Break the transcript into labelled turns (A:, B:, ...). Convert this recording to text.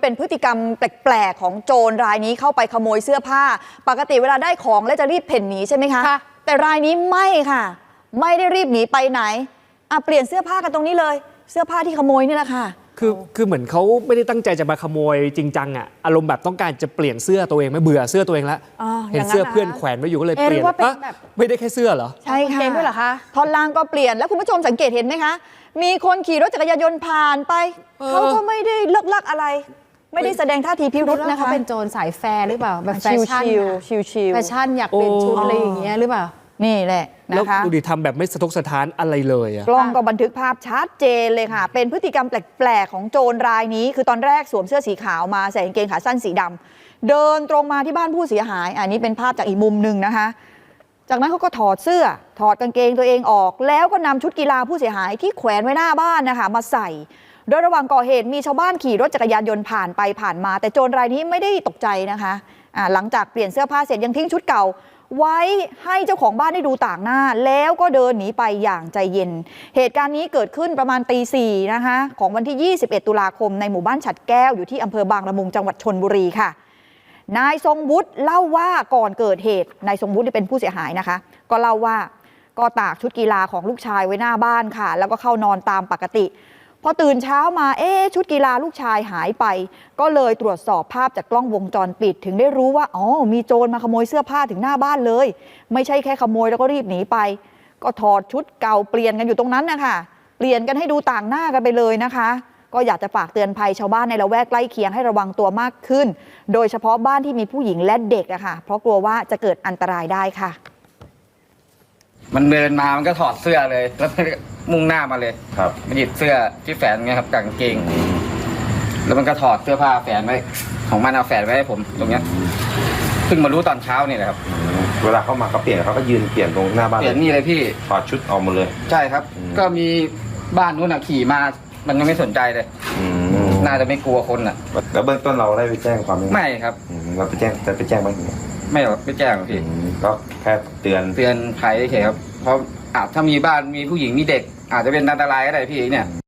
A: เป็นพฤติกรรมแปลกๆของโจรรายนี้เข้าไปขโมยเสื้อผ้าปกติเวลาได้ของแล้วจะรีบเพ่นหนีใช่ไหมคะแต่รายนี้ไม่ค่ะไม่ได้รีบหนีไปไหนเปลี่ยนเสื้อผ้ากันตรงนี้เลยเสื้อผ้าที่ขโมยนี่แหละค่ะ
B: คือเหมือนเขาไม่ได้ตั้งใจจะมาขโมยจริงจังอารมณ์แบบต้องการจะเปลี่ยนเสื้อตัวเองไม่เบื่อเสื้อตัวเองแล้วเห็นเสื้อเพื่อนแขวนไว้อยู่ก็เลยเปลี่ยนไม่ได้แค่เสื้อเหรอ
A: ใช่ค่ะ
C: ด้วยเหรอคะ
A: ท่อนล่างก็เปลี่ยนแล้วคุณผู้ชมสังเกตเห็นไหมคะมีคนขี่รถจักรยานยนต์ผ่านไปเขาก็ไม่ได้เลิกลักอะไรไม่ได้แสดงท่าทีพิรุธนะคะ
C: เขาเป็นโจรสายแฟร์หรือเปล่าแบบแฟชั่น
A: ชิล
C: แฟชั่นอยากเป็นชุดอะไรอย่างเงี้ยหรือเปล่า
A: นี่แหละนะคะ
B: แล้วดูดิทำแบบไม่สะทกสะท้านอะไรเลย
A: กล้องก็บันทึกภาพชัดเจนเลยค่ะเป็นพฤติกรรมแปลกๆของโจรรายนี้คือตอนแรกสวมเสื้อสีขาวมาใส่กางเกงขาสั้นสีดำเดินตรงมาที่บ้านผู้เสียหายอันนี้เป็นภาพจากอีกมุมหนึ่งนะคะจากนั้นเขาก็ถอดเสื้อถอดกางเกงตัวเองออกแล้วก็นำชุดกีฬาผู้เสียหายที่แขวนไว้หน้าบ้านนะคะมาใส่โดยระหว่างก่อเหตุมีชาวบ้านขี่รถจักรยานยนต์ผ่านไปผ่านมาแต่โจรรายนี้ไม่ได้ตกใจนะคะหลังจากเปลี่ยนเสื้อผ้าเสร็จยังทิ้งชุดเก่าไว้ให้เจ้าของบ้านได้ดูต่างหน้าแล้วก็เดินหนีไปอย่างใจเย็นเหตุการณ์นี้เกิดขึ้นประมาณตี 4นะคะของวันที่ 21 ตุลาคมในหมู่บ้านฉัดแก้วอยู่ที่อำเภอบางละมุงจังหวัดชลบุรีค่ะนายทรงวุฒิเล่าว่าก่อนเกิดเหตุนายทรงวุฒิเป็นผู้เสียหายนะคะก็เล่าว่าก็ตากชุดกีฬาของลูกชายไว้หน้าบ้านค่ะแล้วก็เข้านอนตามปกติพอตื่นเช้ามาชุดกีฬาลูกชายหายไปก็เลยตรวจสอบภาพจากกล้องวงจรปิดถึงได้รู้ว่ามีโจรมาขโมยเสื้อผ้าถึงหน้าบ้านเลยไม่ใช่แค่ขโมยแล้วก็รีบหนีไปก็ถอดชุดเก่าเปลี่ยนกันอยู่ตรงนั้นนะคะเปลี่ยนกันให้ดูต่างหน้ากันไปเลยนะคะก็อยากจะฝากเตือนภัยชาวบ้านในละแวกใกล้เคียงให้ระวังตัวมากขึ้นโดยเฉพาะบ้านที่มีผู้หญิงและเด็กอะค่ะเพราะกลัวว่าจะเกิดอันตรายได้ค่ะ
D: มันเดินมามันก็ถอดเสื้อเลยแล้วมุ่งหน้ามาเลย
E: ครับ
D: มันหยิบเสื้อที่แฝนไงครับกางเกงแล้วมันก็ถอดเสื้อผ้าแฝนไว้ของมันเอาแฝนไว้ให้ผมตรงเนี้ยเพิ่งมารู้ตอนเช้านี่แหละครับ
E: เวลาเข้ามาเขาเปลี่ยนเขาก็ยืนเปลี่ยนตรงหน้าบ้าน
D: เปลี่ยนนี่เลยพี่
E: ถอดชุดออกหมดเลย
D: ใช่ครับก็มีบ้านนู้นขี่มามันยังไม่สนใจเลยน่าจะไม่กลัวคน
E: แล้วเบื้องต้นเราได้ไปแจ้งความ
D: ไม่ครับ
E: เราไปแจ้งไหม
D: ไม่แจ้งพี่
E: ก็แค่เตือน
D: ภัยเฉยครับเพราะถ้ามีบ้านมีผู้หญิงมีเด็กอาจจะเป็นอันตรายก็ได้พี่เนี่ย